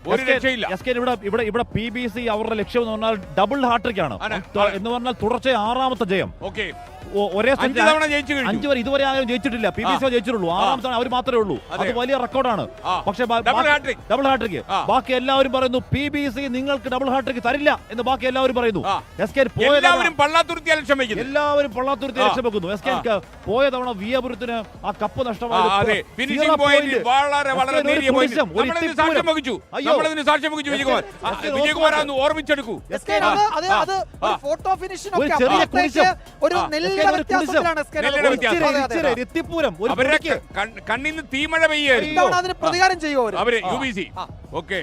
ഇവിടെ PBC അവരുടെ ലക്ഷ്യം എന്ന് പറഞ്ഞാൽ ഡബിൾ ഹാട്രിക് ആണ് എന്ന് പറഞ്ഞാൽ തുടർച്ചയായ 6ാമത്തെ ജയം. ഒരേ 5 വരെ ഇതുവരെ ആരും ജയിച്ചിട്ടില്ല. PBC ജയിച്ചിട്ടുള്ളൂ. 6ാമത്തെ അവർ മാത്രമേ ഉള്ളൂ. അത് വലിയ റെക്കോർഡാണ്. പക്ഷേ ഡബിൾ ഹാട്രിക് ബാക്കി എല്ലാവരും പറയുന്നു PBC നിങ്ങൾക്ക് ഡബിൾ ഹാട്രിക് തരില്ല എന്ന് ബാക്കി എല്ലാവരും പറയുന്നു. എല്ലാവരും പള്ളാത്തുരുത്തി ലക്ഷ്യം വെക്കുന്നു. SK പോയ തവണ വിയപുരത്തിന് ആ കപ്പ് നഷ്ടമായി. ഓർമ്മിച്ചെടുക്കൂ. കണ്ണിന്ന് തീമഴ പെയ്യായിരുന്നു. പ്രതികാരം ചെയ്യുമോ അവര് UBC? ഓക്കെ,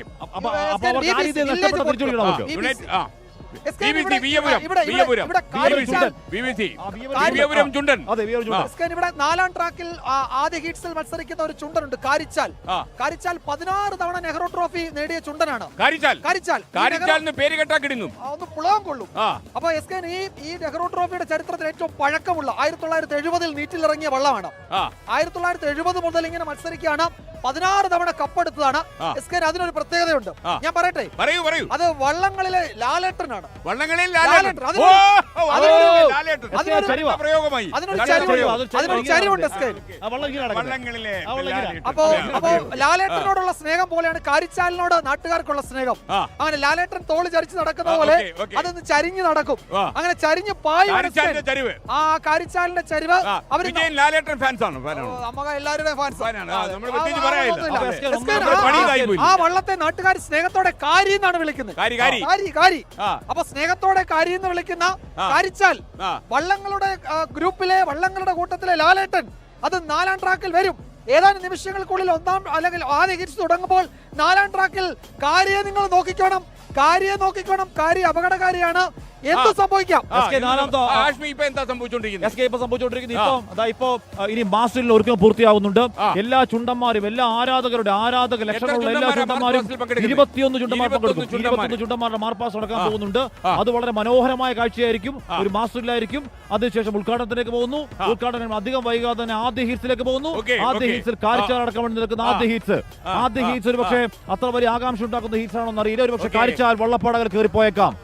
ഇവിടെ 4ാം ട്രാക്കിൽ ആദ്യ ഹീറ്റ്സിൽ മത്സരിക്കുന്ന ഒരു ചുണ്ടനുണ്ട്, കാരിച്ചാൽ. 16 തവണ നെഹ്റു ട്രോഫി നേടിയ ചുണ്ടനാണ്. പേര് കേട്ടാ കിടങ്ങും, ഒന്ന് പുളകം കൊള്ളും. അപ്പൊ SK ഈ നെഹ്റു ട്രോഫിയുടെ ചരിത്രത്തിൽ ഏറ്റവും പഴക്കമുള്ള 1970 നീറ്റിലിറങ്ങിയ വള്ളമാണ്. 1970 മുതൽ ഇങ്ങനെ മത്സരിക്കുകയാണ്. 16 തവണ കപ്പെടുത്തതാണ്. SK അതിനൊരു പ്രത്യേകതയുണ്ട്, ഞാൻ പറയട്ടെ. അത് വള്ളങ്ങളിലെ ലാലേട്ടനാണ്. അപ്പോ ലാലേട്ടനോടുള്ള സ്നേഹം പോലെയാണ് കാരിച്ചാലിനോട് നാട്ടുകാർക്കുള്ള സ്നേഹം. അങ്ങനെ ലാലേട്ടൻ തോള് ചരിച്ച് നടക്കുന്ന പോലെ അതൊന്ന് ചരിഞ്ഞു നടക്കും. അങ്ങനെ ചരിഞ്ഞ് പായ ആ കാരിച്ചാലിന്റെ ചരിവ് അവര് എല്ലാവരുടെയും ആ വള്ളത്തെ നാട്ടുകാർ സ്നേഹത്തോടെ കാരി എന്നാണ് വിളിക്കുന്നത്. കാരി. അപ്പൊ സ്നേഹത്തോടെ കാരി എന്ന് വിളിക്കുന്ന കാരിച്ചാൽ വള്ളങ്ങളുടെ ഗ്രൂപ്പിലെ വള്ളങ്ങളുടെ കൂട്ടത്തിലെ ലാലേട്ടൻ അത് 4ാം ട്രാക്കിൽ വരും. ഏതാനും നിമിഷങ്ങൾക്കുള്ളിൽ അല്ലെങ്കിൽ ആദ്യ ഹിറ്റ്സ് തുടങ്ങുമ്പോൾ 4ാം ട്രാക്കിൽ കാരിയെ നിങ്ങൾ നോക്കിക്കോണം. കാരി അപകടകാരിയാണ്. എന്ത് സംഭവിക്കാം? ഇപ്പോ ഇനി മാസ്റ്ററിൽ ഒരുക്കം പൂർത്തിയാവുന്നുണ്ട്. എല്ലാ ചുണ്ടന്മാരും, എല്ലാ ആരാധക ലക്ഷണമുള്ള എല്ലാ ചുണ്ടന്മാരും 21 ചുണ്ടന്മാർ പങ്കെടുക്കും. 21 ചുണ്ടന്മാരുടെ മാർപ്പാസ് നടക്കാൻ പോകുന്നുണ്ട്. അത് വളരെ മനോഹരമായ കാഴ്ചയായിരിക്കും. ഒരു മാസ്റ്ററിലായിരിക്കും. അതിനുശേഷം ഉദ്ഘാടനത്തിലേക്ക് പോകുന്നു. ഉദ്ഘാടനം അധികം വൈകാതെ തന്നെ ആദ്യ ഹീറ്റ്സിലേക്ക് പോകുന്നു. ആദ്യ ഹീറ്റ്സിൽ കാരിച്ചാൽ അടക്കം വേണ്ടി നിൽക്കുന്ന ആദ്യ ഹീറ്റ്സ് ഒരു പക്ഷേ അത്ര വലിയ ആകാംക്ഷ ഉണ്ടാക്കുന്ന ഹീറ്റ്സ് ആണോ എന്നറിയില്ല. ഒരു പക്ഷേ കാരിച്ചാൽ വള്ളപ്പാടകൾ കയറിപ്പോയേക്കാം.